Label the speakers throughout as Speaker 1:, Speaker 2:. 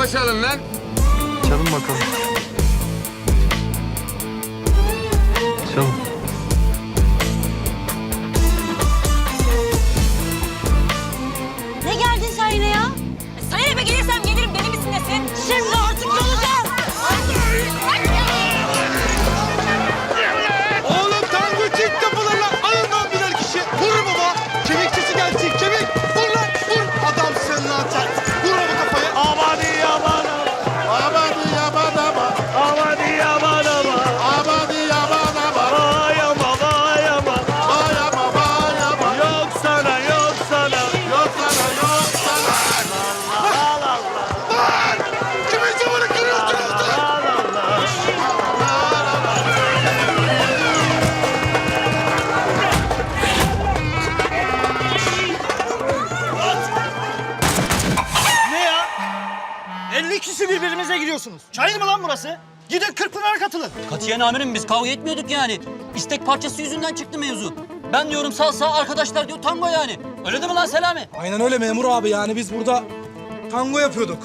Speaker 1: tango çalın lan.
Speaker 2: Çalın bakalım. Çalın.
Speaker 3: Ne geldin sen yine ya? Sana eve gelirsem gelirim. Deli misin nesin? Şimdi artık olacağım.
Speaker 4: Oğlum tango çift kapılar lan. Alın lan birer kişi. Vur baba. Kemik sesi gelsin. Kemik. Vur lan. Vur. Adamsın lan sen. Vur baba kafayı. Amadi yaman ama. Amadi yaman ama. Amadi yaman ama. Amadi yaman ama. Vay ama vay ama. Vay ama vay ama. Yok sana yok sana. Yok sana yok sana. Allah Allah. Lan. Kimin camını kırıyorsunuz lan?
Speaker 5: Ne ya? 50 kişi birbirimize giriyorsunuz. Çayır mı lan burası? Gidin Kırkpınar'a katılın.
Speaker 6: Katiyen amirim biz kavga etmiyorduk yani. İstek parçası yüzünden çıktı mevzu. Ben diyorum salsa, arkadaşlar diyor tango yani. Öyle değil mi lan Selami?
Speaker 4: Aynen öyle memur abi, yani biz burada tango yapıyorduk.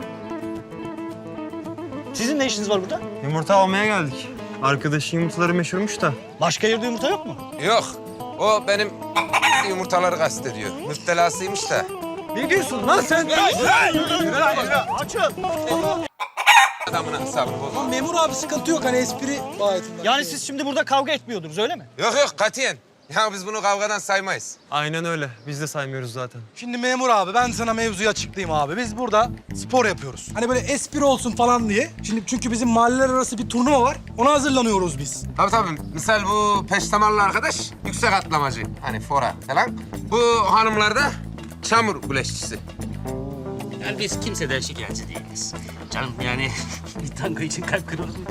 Speaker 5: Sizin ne işiniz var burada?
Speaker 2: Yumurta almaya geldik. Arkadaşın yumurtaları meşhurmuş da.
Speaker 5: Başka yerde yumurta yok mu?
Speaker 1: Yok. O benim yumurtaları kastediyor. Müptelasıymış da.
Speaker 4: Ne diyorsun lan sen?
Speaker 5: Açın.
Speaker 1: Adamın hesabını bozma.
Speaker 4: Memur abi sıkıntı yok, hani espri bayetinden.
Speaker 5: Yani siz şimdi burada kavga etmiyordunuz öyle mi?
Speaker 1: Yok yok katiyen. Ya biz bunu kavgadan saymayız.
Speaker 2: Aynen öyle. Biz de saymıyoruz zaten.
Speaker 4: Şimdi memur abi, ben sana mevzuyu açıklayayım abi. Biz burada spor yapıyoruz. Hani böyle espri olsun falan diye. Şimdi çünkü bizim mahalleler arası bir turnuva var. Ona hazırlanıyoruz biz.
Speaker 1: Tabii. Misal bu peştemallı arkadaş yüksek atlamacı. Hani fora falan. Bu hanımlar da çamur güleşçisi.
Speaker 6: Yani biz kimseden şikayetçi değiliz. Canım yani bir tango için kalp kırılır mı?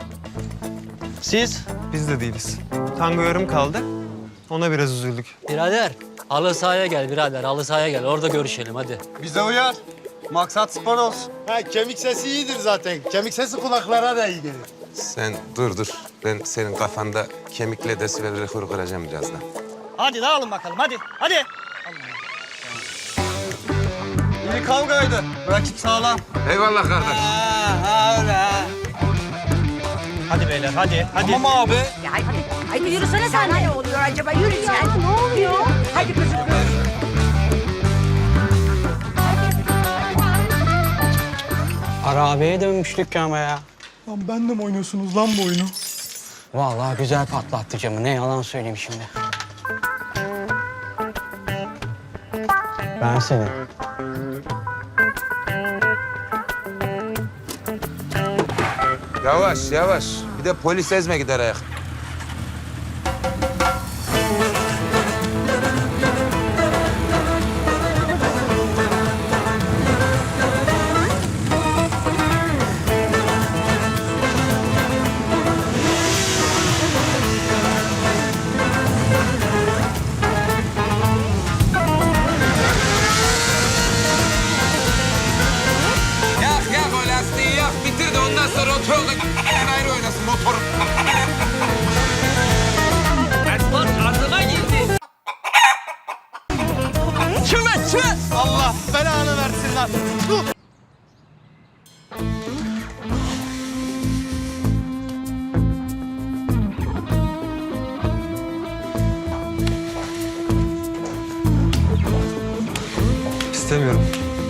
Speaker 5: Siz?
Speaker 2: Biz de değiliz. Tango yarım kaldı. Ona biraz üzüldük.
Speaker 6: Birader, halı sahaya gel birader, halı sahaya gel. Orada görüşelim hadi.
Speaker 4: Bize uyar. Maksat spor olsun. Ha, kemik sesi iyidir zaten. Kemik sesi kulaklara da iyi gelir.
Speaker 1: Sen dur. Ben senin kafanda kemikle desibel rekoru kıracağım birazdan.
Speaker 5: Hadi dağılın bakalım hadi. Hadi.
Speaker 4: İyi kavgaydı. Rakip sağlam.
Speaker 1: Eyvallah kardeş.
Speaker 5: Hadi beyler hadi.
Speaker 4: Tamam abi.
Speaker 3: Ya hadi yürüsene sen. Ne oluyor acaba? Yürü sen. Ne oluyor? Hadi kızım.
Speaker 7: Arabeye dönmüştük ama ya.
Speaker 4: Lan benle mi oynuyorsunuz lan bu oyunu?
Speaker 7: Vallahi güzel patlattı camı. Ne yalan söyleyeyim şimdi. Ben senin.
Speaker 1: Yavaş. Bir de polis ezme gider ayak. Yak o lastiği yak. Bitir de ondan sonra otoyolda ayrı oynasın motor.
Speaker 6: Esman ardına girdi.
Speaker 4: Allah belanı versin lan. Dur.
Speaker 2: İstemiyorum.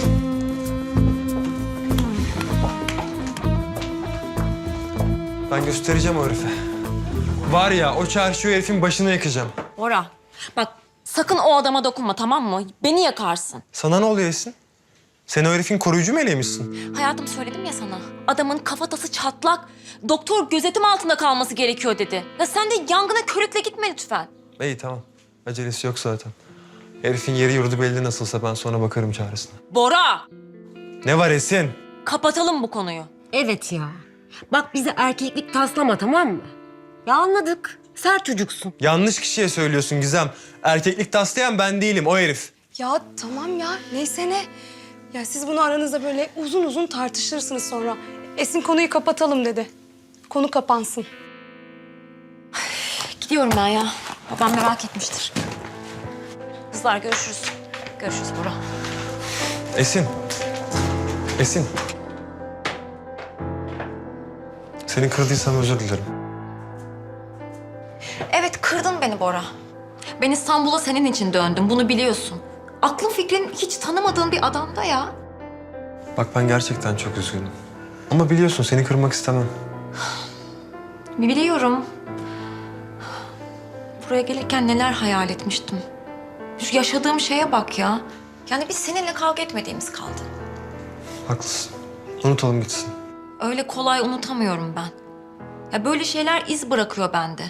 Speaker 2: Ben göstereceğim o herife. Var ya, o çarşı o herifin başını yakacağım.
Speaker 3: Bora, bak sakın o adama dokunma, tamam mı? Beni yakarsın.
Speaker 2: Sana ne oluyor Esin? Sen o herifin koruyucu meleğimişsin.
Speaker 3: Hayatım, söyledim ya sana. Adamın kafatası çatlak. Doktor gözetim altında kalması gerekiyor dedi. Ya sen de yangına körükle gitme lütfen.
Speaker 2: İyi tamam. Acelesi yok zaten. Herifin yeri yurdu belli nasılsa ben sonra bakarım çaresine.
Speaker 3: Bora,
Speaker 2: Ne var Esin?
Speaker 3: kapatalım bu konuyu.
Speaker 8: Evet ya. Bak bize erkeklik taslama, tamam mı? Ya anladık. Sert çocuksun.
Speaker 2: Yanlış kişiye söylüyorsun Gizem. Erkeklik taslayan ben değilim, o herif.
Speaker 9: Ya tamam ya, neyse ne. Ya siz bunu aranızda böyle uzun uzun tartışırsınız sonra. Esin konuyu kapatalım dedi. Konu kapansın.
Speaker 3: Gidiyorum ben ya. Babam merak etmiştir. Kızlar görüşürüz. Görüşürüz Bora.
Speaker 2: Esin. Esin. Seni kırdıysam özür dilerim.
Speaker 3: Evet, kırdın beni Bora. Ben İstanbul'a senin için döndüm, bunu biliyorsun. Aklın fikrin hiç tanımadığın bir adamda ya.
Speaker 2: Bak ben gerçekten çok üzgünüm. Ama biliyorsun seni kırmak istemem.
Speaker 3: Biliyorum. Buraya gelirken neler hayal etmiştim. Şu yaşadığım şeye bak ya. Yani biz seninle kavga etmediğimiz kaldı.
Speaker 2: Haklısın. Unutalım gitsin.
Speaker 3: Öyle kolay unutamıyorum ben. Ya böyle şeyler iz bırakıyor bende.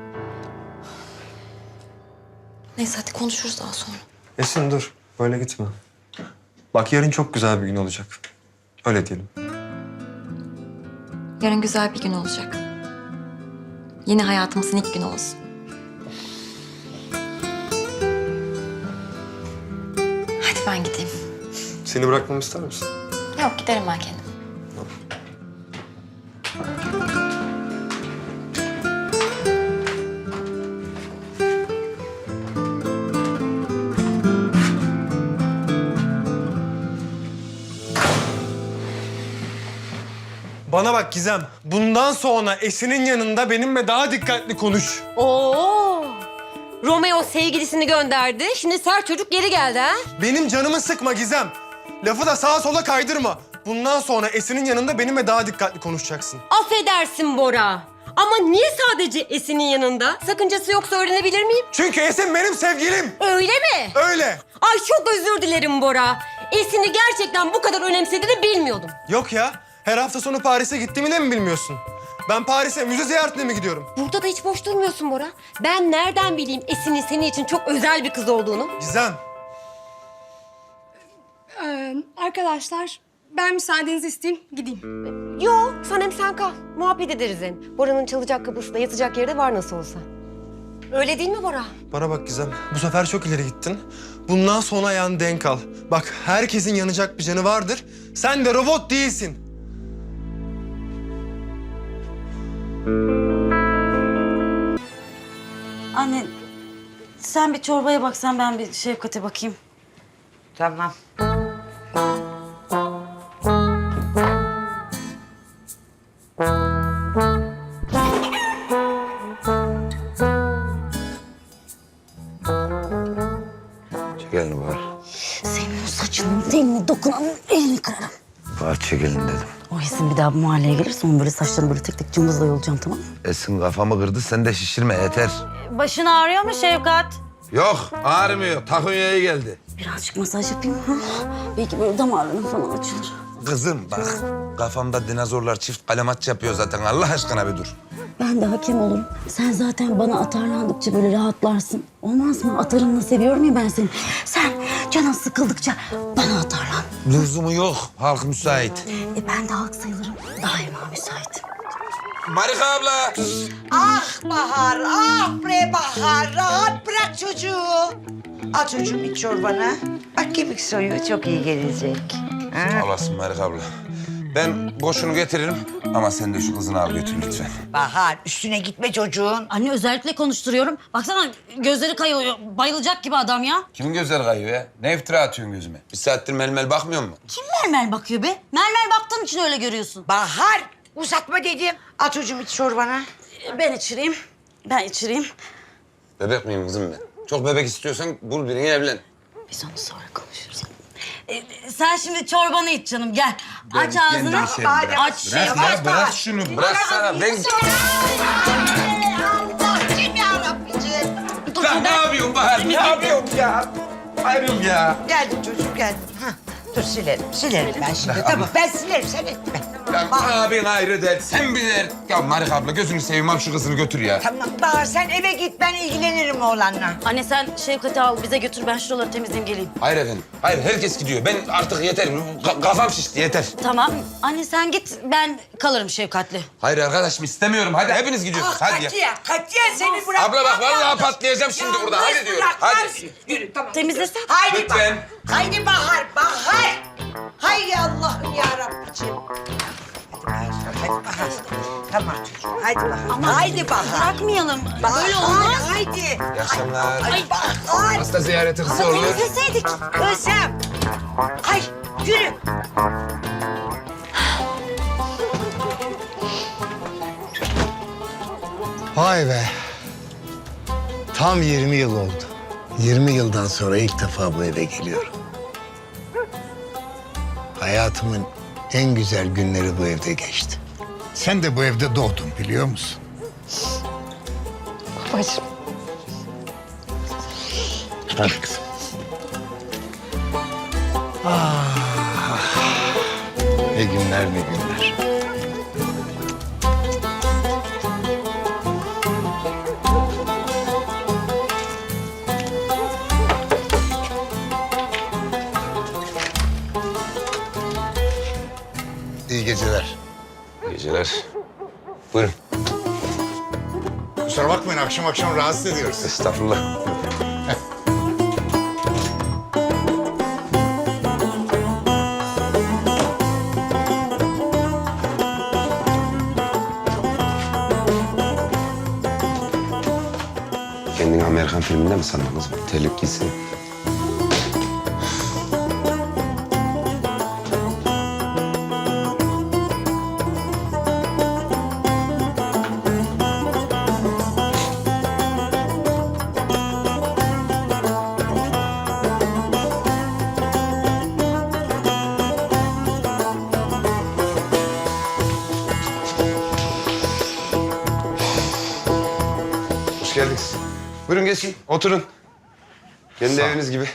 Speaker 3: Neyse hadi konuşuruz daha sonra.
Speaker 2: Esin dur. Böyle gitme. Bak yarın çok güzel bir gün olacak. Öyle diyelim.
Speaker 3: Yarın güzel bir gün olacak. Yeni hayatımızın ilk günü olsun. Hadi ben gideyim.
Speaker 2: Seni bırakmamı ister misin?
Speaker 3: Yok giderim ben kendim.
Speaker 2: Bana bak Gizem. Bundan sonra Esin'in yanında benimle daha dikkatli konuş.
Speaker 8: Oo. Romeo sevgilisini gönderdi. Şimdi sert çocuk geri geldi ha?
Speaker 2: Benim canımı sıkma Gizem. Lafı da sağa sola kaydırma. Bundan sonra Esin'in yanında benimle daha dikkatli konuşacaksın.
Speaker 8: Affedersin Bora. Ama niye sadece Esin'in yanında? Sakıncası yoksa öğrenebilir miyim?
Speaker 2: Çünkü Esin benim sevgilim.
Speaker 8: Öyle mi?
Speaker 2: Öyle.
Speaker 8: Ay çok özür dilerim Bora. Esin'i gerçekten bu kadar önemsediğini bilmiyordum.
Speaker 2: Yok ya. Her hafta sonu Paris'e gittiğimi de mi bilmiyorsun? Ben Paris'e müze ziyaretine mi gidiyorum?
Speaker 8: Burada da hiç boş durmuyorsun Bora. Ben nereden bileyim Esin'in senin için çok özel bir kız olduğunu?
Speaker 2: Gizem.
Speaker 9: Arkadaşlar ben müsaadenizi isteyeyim gideyim.
Speaker 8: Yo, sen hem sen kal. Muhabbet ederiz hem. Bora'nın çalacak kapısında yatacak yeri de var nasıl olsa. Öyle değil mi Bora?
Speaker 2: Bana bak Gizem. Bu sefer çok ileri gittin. Bundan sonra ayağını denk al. Bak herkesin yanacak bir canı vardır. Sen de robot değilsin.
Speaker 10: Anne, sen bir çorbaya baksan ben bir Şefkat'e bakayım.
Speaker 11: Tamam.
Speaker 1: Çek elini var.
Speaker 10: Senin o saçının teline dokunanın elini kırarım.
Speaker 1: Var çek elini dedim.
Speaker 10: O Esin bir daha bu mahalleye gelirse onun böyle saçlarını böyle tek tek cımbızla yolacağım, tamam mı?
Speaker 1: Esin kafamı kırdı, sen de şişirme yeter.
Speaker 10: Başın ağrıyor mu Şefkat?
Speaker 1: Yok, ağrımıyor. Takunya'ya geldi.
Speaker 10: Birazcık masaj yapayım mı? Belki böyle damarların falan açılır.
Speaker 1: Kızım bak, kafamda dinozorlar çift kalemaç yapıyor zaten. Allah aşkına bir dur.
Speaker 10: Ben de hakem olurum. Sen zaten bana atarlandıkça böyle rahatlarsın. Olmaz mı? Atarınla seviyorum ya ben seni. Sen canın sıkıldıkça bana atarlan.
Speaker 1: Lüzumu yok, halk müsait.
Speaker 10: Ben de halk sayılırım. Daima müsaitim.
Speaker 1: Marika abla.
Speaker 11: Ah Bahar, ah bre Bahar. Rahat bırak çocuğu. Al çocuğum iç çorbanı. Bak kemik soyu çok iyi gelecek.
Speaker 1: Sağ olasın Marika abla. Ben boşunu getiririm ama sen de şu kızını al götür lütfen.
Speaker 11: Bahar üstüne gitme çocuğun.
Speaker 10: Anne özellikle konuşturuyorum. Baksana gözleri kayıyor. Bayılacak gibi adam ya.
Speaker 1: Kimin gözleri kayıyor ya? Ne iftira atıyorsun gözüme? Bir saattir melmel bakmıyor mu?
Speaker 10: Kim mermer bakıyor be? Mermer baktığın için öyle görüyorsun.
Speaker 11: Bahar uzatma dedim. Al çocuğum iç çorbanı.
Speaker 10: Ben içireyim. Ben içireyim.
Speaker 1: Bebek miyim kızım ben? Çok bebek istiyorsan bul birini evlen.
Speaker 10: Biz onu sonra konuşuruz. Sen şimdi çorbanı iç canım gel.
Speaker 1: Ben
Speaker 10: Aç ağzını.
Speaker 1: kendim içerim, bırak.
Speaker 10: Aç
Speaker 1: Bırak
Speaker 10: Şefkat.
Speaker 1: ya, bırak şunu. Bıraksana. Ben...
Speaker 11: Allah'ım yarabbicim.
Speaker 1: Ya ne yapıyorsun Bahar? Ne yapıyorsun ya? Ayrım ya.
Speaker 11: Geldim çocuğum geldim. Hah. Dur silerim ben şimdi. Tamam ben silerim sen etme.
Speaker 1: Ya abin ayrı dert, sen bir dert. Ya Marika abla gözünü seveyim al şu kızını götür ya.
Speaker 11: Tamam Bahar sen eve git ben ilgilenirim oğlanla.
Speaker 10: Anne sen Şefkat'i al bize götür ben şuraları temizleyeyim geleyim.
Speaker 1: Hayır efendim. Hayır herkes gidiyor. Ben artık yeter. Kafam şişti yeter.
Speaker 10: Tamam. Anne sen git ben kalırım Şefkat'le.
Speaker 1: Hayır arkadaşım istemiyorum. Hadi hepiniz gidiyorsunuz. Hadi ya.
Speaker 11: Katiyen seni bırak.
Speaker 1: Abla bak vallahi patlayacağım şimdi burada. Hadi diyorum. Hadi.
Speaker 11: Yürü tamam.
Speaker 10: Temizlesen.
Speaker 11: Haydi
Speaker 1: Lütfen.
Speaker 11: Haydi Bahar, Bahar. Hay Allah'ım ya Rabbiciğim. Hadi Bahar. Tamam çocuğum. Haydi Bahar. Haydi Bahar.
Speaker 10: Bırakmayalım.
Speaker 11: Bahar,
Speaker 10: Böyle olmaz.
Speaker 11: Haydi.
Speaker 1: İyi akşamlar.
Speaker 11: Ay Bahar.
Speaker 1: Hasta ziyareti kısa olur.
Speaker 10: Temizleseydik.
Speaker 11: Kızım. Ay yürü.
Speaker 4: Vay be. Tam 20 yıl oldu. 20 yıldan sonra ilk defa bu eve geliyorum. Hayatımın en güzel günleri bu evde geçti. Sen de bu evde doğdun biliyor musun?
Speaker 8: Babacığım.
Speaker 4: Hadi kızım. Ne günler ne günler. İyi geceler.
Speaker 1: İyi geceler. Buyurun.
Speaker 4: Kusura bakmayın akşam akşam rahatsız ediyoruz.
Speaker 1: Estağfurullah. Kendini Amerikan filminde mi sandın kızım? Terlik giysin. Hoş geldiniz. Buyurun geçin, oturun. Kendi eviniz gibi.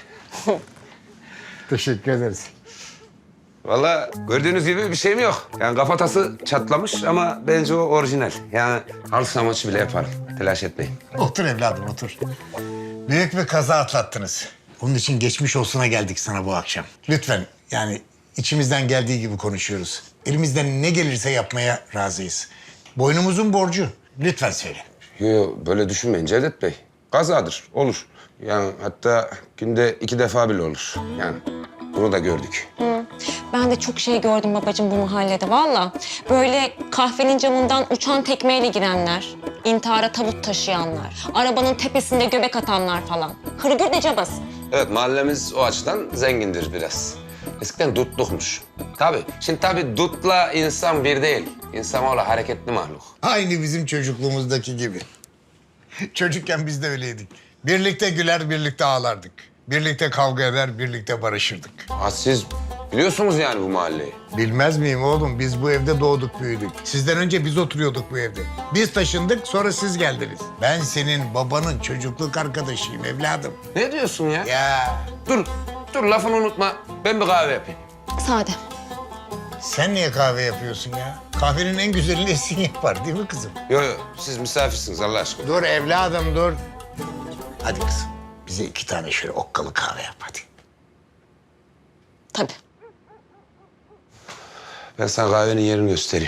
Speaker 4: Teşekkür ederiz.
Speaker 1: Vallahi gördüğünüz gibi bir şeyim yok. Yani kafatası çatlamış ama bence o orijinal. Yani halı saha maçı bile yaparım. Telaş etmeyin.
Speaker 4: Otur evladım otur. Büyük bir kaza atlattınız. Onun için geçmiş olsuna geldik sana bu akşam. Lütfen yani içimizden geldiği gibi konuşuyoruz. Elimizden ne gelirse yapmaya razıyız. Boynumuzun borcu. Lütfen söyle.
Speaker 1: Yo, böyle düşünmeyin Cevdet Bey. Kazadır, olur. Yani hatta günde 2 defa bile olur. Yani bunu da gördük.
Speaker 3: Ben de çok şey gördüm babacığım bu mahallede valla. Böyle kahvenin camından uçan tekmeyle girenler, intihara tabut taşıyanlar, arabanın tepesinde göbek atanlar falan. Hırgür de cabas.
Speaker 1: Evet, mahallemiz o açıdan zengindir biraz. Eskiden dutlukmuş. Tabii, şimdi tabii dutla insan bir değil. İnsanoğlu hareketli mahluk.
Speaker 4: Aynı bizim çocukluğumuzdaki gibi. Çocukken biz de öyleydik. Birlikte güler, birlikte ağlardık. Birlikte kavga eder, birlikte barışırdık.
Speaker 1: Ha, siz biliyorsunuz yani bu mahalleyi.
Speaker 4: Bilmez miyim oğlum? Biz bu evde doğduk, büyüdük. Sizden önce biz oturuyorduk bu evde. Biz taşındık, sonra siz geldiniz. Ben senin babanın çocukluk arkadaşıyım evladım.
Speaker 1: Ne diyorsun ya?
Speaker 4: Ya
Speaker 1: Dur lafını unutma. Ben bir kahve yapayım.
Speaker 3: Sade.
Speaker 4: sen niye kahve yapıyorsun ya? Kahvenin en güzelini Esin yapar değil mi kızım?
Speaker 1: Yo, siz misafirsiniz Allah aşkına.
Speaker 4: Dur evladım dur. Hadi kızım bize 2 tane şöyle okkalı kahve yap hadi.
Speaker 3: Tabii.
Speaker 1: Ben sana kahvenin yerini göstereyim.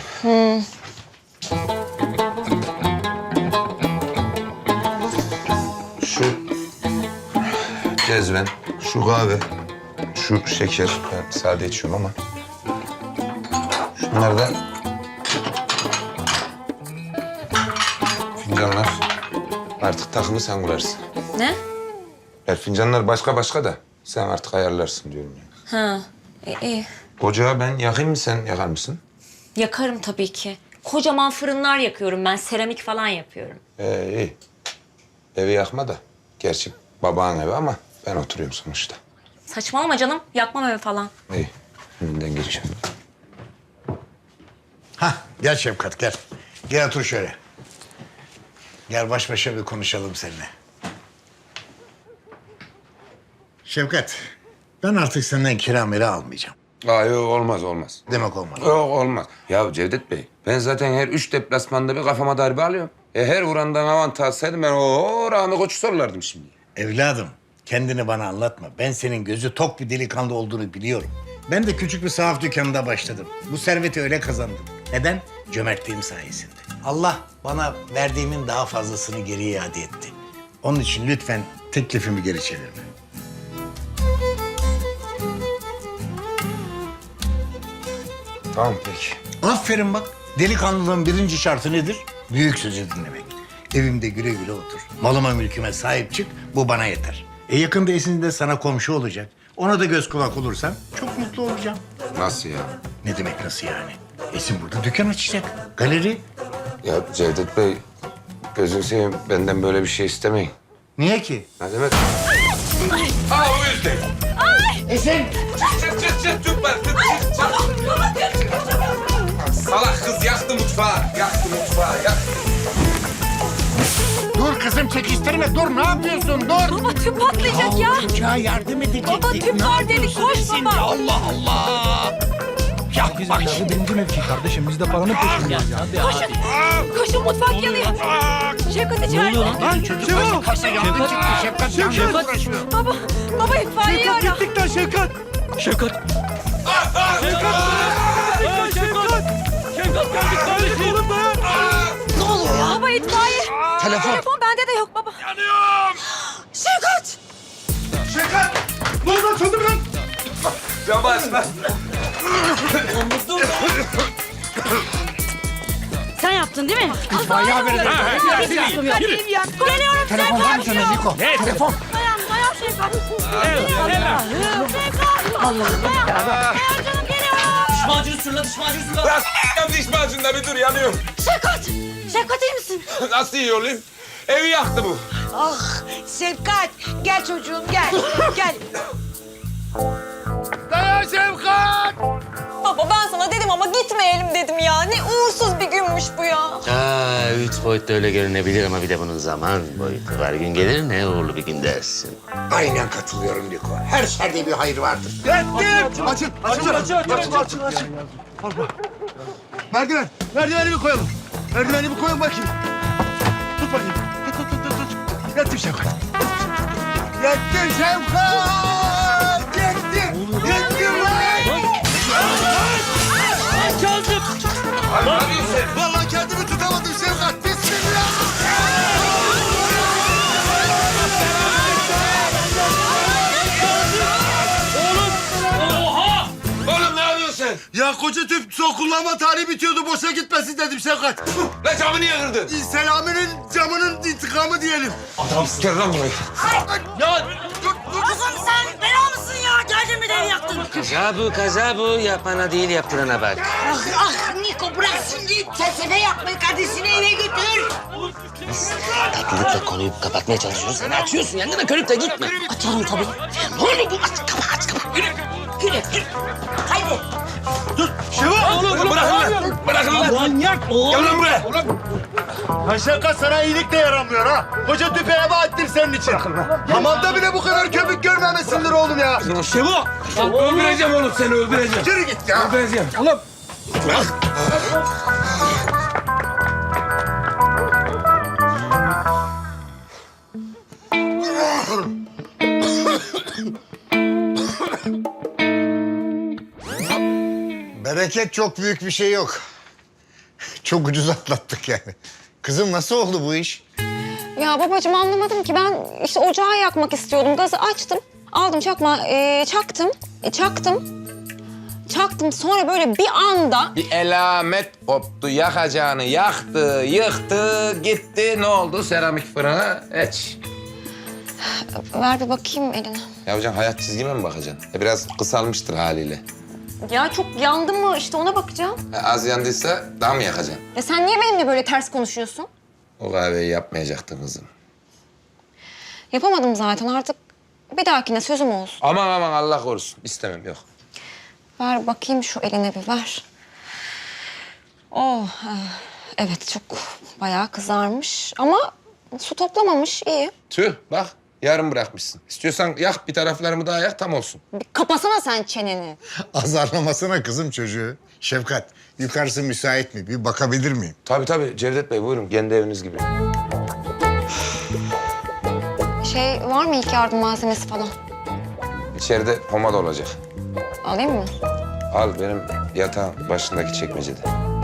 Speaker 1: Şu cezven, şu kahve, şu şeker. Ben sade içiyorum ama. Şunlar da fincanlar. Artık takımı sen kurarsın.
Speaker 3: Ne?
Speaker 1: Ya fincanlar başka da sen artık ayarlarsın diyorum yani.
Speaker 3: Ha, iyi.
Speaker 1: Ocağı ben yakayım mı, sen yakar mısın?
Speaker 3: Yakarım tabii ki. Kocaman fırınlar yakıyorum ben. Seramik falan yapıyorum.
Speaker 1: İyi. Evi yakma da. Gerçi babanın evi ama ben oturuyorum sonuçta.
Speaker 3: Saçmalama canım. Yakmam evi falan.
Speaker 1: İyi. Önünden geçiyorum.
Speaker 4: Hah gel Şefkat gel. Gel otur şöyle. Gel baş başa bir konuşalım seninle. Şefkat, ben artık senden kira mira almayacağım.
Speaker 1: Yok olmaz.
Speaker 4: Demek olmaz.
Speaker 1: Yok olmaz. Ya Cevdet Bey, ben zaten her 3 deplasmanda bir kafama darbe alıyorum. Her vurandan avantaj alsaydım ben Rami Koç'u sorulardım şimdi.
Speaker 4: Evladım, kendini bana anlatma. Ben senin gözü tok bir delikanlı olduğunu biliyorum. Ben de küçük bir sahaf dükkanında başladım. Bu serveti öyle kazandım. Neden? Cömertliğim sayesinde. Allah bana verdiğimin daha fazlasını geri iade etti. Onun için lütfen teklifimi geri çevirme.
Speaker 1: Tamam peki.
Speaker 4: Aferin bak. Delikanlılığın birinci şartı nedir? Büyük sözü dinlemek. Evimde güle güle otur. Malıma mülküme sahip çık. Bu bana yeter. Yakında Esin de sana komşu olacak. Ona da göz kulak olursan çok mutlu olacağım.
Speaker 1: Nasıl ya?
Speaker 4: Ne demek nasıl yani? Esin burada dükkan açacak. Galeri.
Speaker 1: Ya Cevdet Bey, gözünü seveyim benden böyle bir şey istemeyin.
Speaker 4: Niye ki?
Speaker 1: Ne demek? Aa o yüzden.
Speaker 4: Esin!
Speaker 1: Çıt tutma. Salak kız yaktı mutfağı.
Speaker 4: Dur kızım çekiştirme. Dur ne yapıyorsun? Dur.
Speaker 9: Baba tüp patlayacak ya.
Speaker 4: Çocuğa yardım edecektik.
Speaker 9: Baba tüp
Speaker 4: Ne
Speaker 9: var dedik,
Speaker 4: yapıyorsun
Speaker 9: koş
Speaker 4: Esin?
Speaker 9: baba.
Speaker 4: Allah Allah. Ya bak şimdi.
Speaker 5: Birinci mevki kardeşim. Biz de paranın peşindeyiz ya.
Speaker 9: Koşun mutfak yanıyor. Şevkat içeride.
Speaker 4: Lan çocuk başı kasa yandı çıktı. Şefkat yandı uğraşıyor.
Speaker 9: Baba itfaiyeyi ara.
Speaker 5: Gittikten Şevkat. Şevkat.
Speaker 9: Ne oluyor ya? Baba itfaiye. Telefon bende de yok baba.
Speaker 1: Yanıyorum.
Speaker 9: Şevkat.
Speaker 4: Şefkat! Ne oldu? Çözdüm lan.
Speaker 1: Camı açma.
Speaker 10: Sen yaptın değil mi?
Speaker 4: İtfaiye haberi de.
Speaker 9: Geliyorum
Speaker 4: Telefon var mı
Speaker 9: Şevkat.
Speaker 4: sende Niko? Telefon.
Speaker 9: Dayan Şevkat. Şevkat. Dayan canım geliyorum.
Speaker 6: Diş macunu sür la, diş macunu sür la.
Speaker 1: Lan diş macununda bir dur yanıyorum.
Speaker 10: Şevkat! Şevkat iyi misin?
Speaker 1: Nasıl iyi olayım? Evi yaktı bu.
Speaker 11: Ah Şefkat gel çocuğum gel. Gel.
Speaker 4: Dayan Şefkat!
Speaker 3: Baba ben sana dedim ama gitmeyelim dedim ya. Ne uğursuz bir günmüş bu ya.
Speaker 12: Aa, 3 boyutta öyle görünebilir ama bir de bunun zaman boyutu var. Gün gelir ne uğurlu bir gün dersin.
Speaker 4: Aynen katılıyorum Niko. Her şerde bir hayır vardır. Yettim! Açın. Merdiven. Merdiveni bir koyalım. Merdiveni bir koyun bakayım. Tut bakayım. Tut. Yettim Şevkat. Yettim Şevkat! Yettim lan!
Speaker 1: Abi ne yapıyorsun sen?
Speaker 4: Vallahi kendimi tutamadım Şevkat. Bismillah!
Speaker 1: Oğlum ne yapıyorsun sen?
Speaker 4: Ya koca tüp son kullanma tarihi bitiyordu. Boşa gitmesin dedim Şevkat.
Speaker 1: Lan camı niye kırdın?
Speaker 4: Selami'nin camının intikamı diyelim.
Speaker 1: Adam gel lan buraya.
Speaker 10: Kızım sen bela mısın ya? Geldin mi de evi yaktın?
Speaker 12: Kaza bu. Yapana değil yaptırana bak.
Speaker 11: Ah Niko bırak şimdi felsefe yapmayı kardeşini eve götür.
Speaker 12: Tatlılıkla konuyu kapatmaya çalışıyoruz. Sen açıyorsun yangına körüp de gitme.
Speaker 10: Açarım tabii.
Speaker 12: Ne olur bu aç kapa. Yürü.
Speaker 11: Haydi.
Speaker 1: Oğlum bırakın lan. Bırakın lan.
Speaker 5: Manyak oğlum.
Speaker 1: Gel lan buraya.
Speaker 4: Ha Şevkat sana iyilik de yaramıyor ha. Koca tüpe eve ettim senin için. Hamamda bile bu kadar köpük görmemesindir oğlum ya.
Speaker 5: Şevo.
Speaker 1: Öldüreceğim oğlum seni öldüreceğim.
Speaker 4: Yürü git ya.
Speaker 1: Öldüreceğim.
Speaker 5: Oğlum.
Speaker 4: Bereket çok büyük bir şey yok. Çok ucuz atlattık yani. Kızım nasıl oldu bu iş?
Speaker 3: Ya babacığım anlamadım ki ben işte ocağı yakmak istiyordum. Gazı açtım. Aldım çaktım. Sonra böyle bir anda
Speaker 1: Bir elamet koptu. Yakacağını yaktı, yıktı, gitti. Ne oldu? Seramik fırına eç.
Speaker 3: ver bir bakayım eline.
Speaker 1: Ya hocam hayat çizgime mi bakacaksın? Biraz kısalmıştır haliyle.
Speaker 3: Ya çok yandı mı işte ona bakacağım.
Speaker 1: Az yandıysa daha mı yakacaksın?
Speaker 3: Ya sen niye benimle böyle ters konuşuyorsun?
Speaker 1: O kahveyi yapmayacaktın kızım.
Speaker 3: Yapamadım zaten artık. Bir dahakine sözüm olsun.
Speaker 1: Aman Allah korusun. İstemem yok.
Speaker 3: Ver bakayım şu eline bir ver. Oh, evet çok bayağı kızarmış ama su toplamamış iyi.
Speaker 1: Tüh bak yarım bırakmışsın. İstiyorsan yak bir taraflarımı daha yak tam olsun.
Speaker 3: Bir kapasana sen çeneni.
Speaker 4: Azarlamasana kızım çocuğu. Şefkat, yukarısı müsait mi? Bir bakabilir miyim?
Speaker 1: Tabii Cevdet Bey buyurun kendi eviniz gibi.
Speaker 3: Var mı ilk yardım malzemesi falan?
Speaker 1: İçeride pomada olacak.
Speaker 3: Alayım mı?
Speaker 1: Al benim yatağın başındaki çekmecede.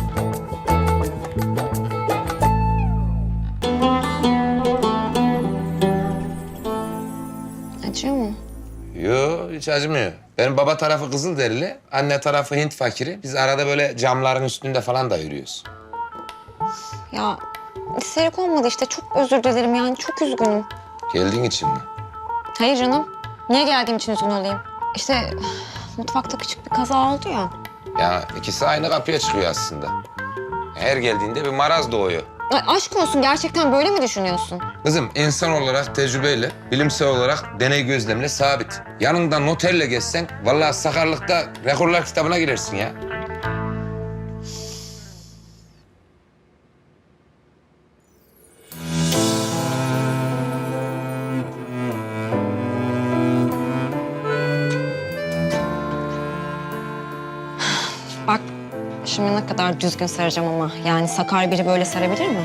Speaker 3: Acıyor mu?
Speaker 1: Yo hiç acımıyor. Benim baba tarafı Kızılderili, anne tarafı Hint fakiri. Biz arada böyle camların üstünde falan da yürüyoruz.
Speaker 3: Ya isterek olmadı işte çok özür dilerim yani çok üzgünüm.
Speaker 1: Geldiğin için mi?
Speaker 3: Hayır canım. Niye geldiğim için üzgün olayım? İşte mutfakta küçük bir kaza oldu ya.
Speaker 1: Ya ikisi aynı kapıya çıkıyor aslında. Her geldiğinde bir maraz doğuyor.
Speaker 3: Ay aşk olsun, gerçekten böyle mi düşünüyorsun?
Speaker 1: Kızım insan olarak tecrübeyle, bilimsel olarak deney gözlemle sabit. Yanında noterle gezsen vallahi sakarlıkta rekorlar kitabına girersin ya.
Speaker 3: Bak şimdi ne kadar düzgün saracağım ama. Yani sakar biri böyle sarabilir mi?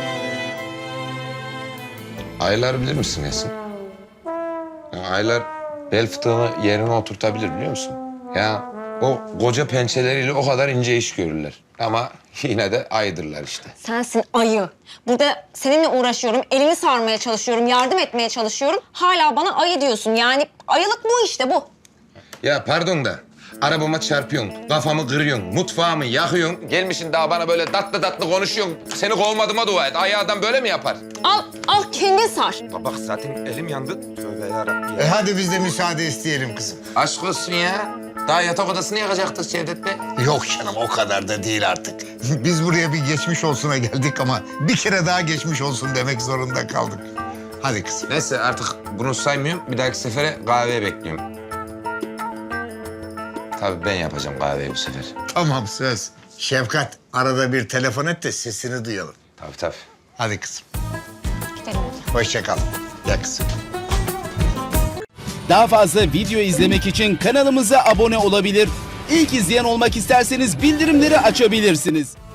Speaker 1: Aylar bilir misin Esin? Ya aylar bel fıtığını yerine oturtabilir biliyor musun? Ya o koca pençeleriyle o kadar ince iş görürler. Ama yine de aydırlar işte.
Speaker 3: Sensin ayı. Burada seninle uğraşıyorum, elini sarmaya çalışıyorum, yardım etmeye çalışıyorum. Hala bana ayı diyorsun. Yani ayılık bu işte bu.
Speaker 1: Ya pardon da arabama çarpıyorsun, kafamı kırıyorsun, mutfağımı yakıyorsun. Gelmişsin daha bana böyle tatlı tatlı konuşuyorsun. Seni kovmadığıma dua et. Ayı adam böyle mi yapar?
Speaker 3: Al kendin sar.
Speaker 1: Bak zaten elim yandı. Tövbe yarabbim.
Speaker 4: Hadi biz de müsaade isteyelim kızım.
Speaker 1: Aşk olsun ya. Daha yatak odasını yakacaktık Cevdet Bey.
Speaker 4: Yok canım o kadar da değil artık. Biz buraya bir geçmiş olsuna geldik ama bir kere daha geçmiş olsun demek zorunda kaldık. Hadi kızım.
Speaker 1: Neyse artık bunu saymıyorum. Bir dahaki sefere kahveye bekliyorum. Tabii ben yapacağım kahveyi bu sefer.
Speaker 4: Tamam söz. Şefkat arada bir telefon et de sesini duyalım.
Speaker 1: Tabii.
Speaker 4: Hadi kızım.
Speaker 3: Gidelim.
Speaker 4: Hoşça kal. Ya kızım.
Speaker 13: Daha fazla video izlemek için kanalımıza abone olabilir. İlk izleyen olmak isterseniz bildirimleri açabilirsiniz.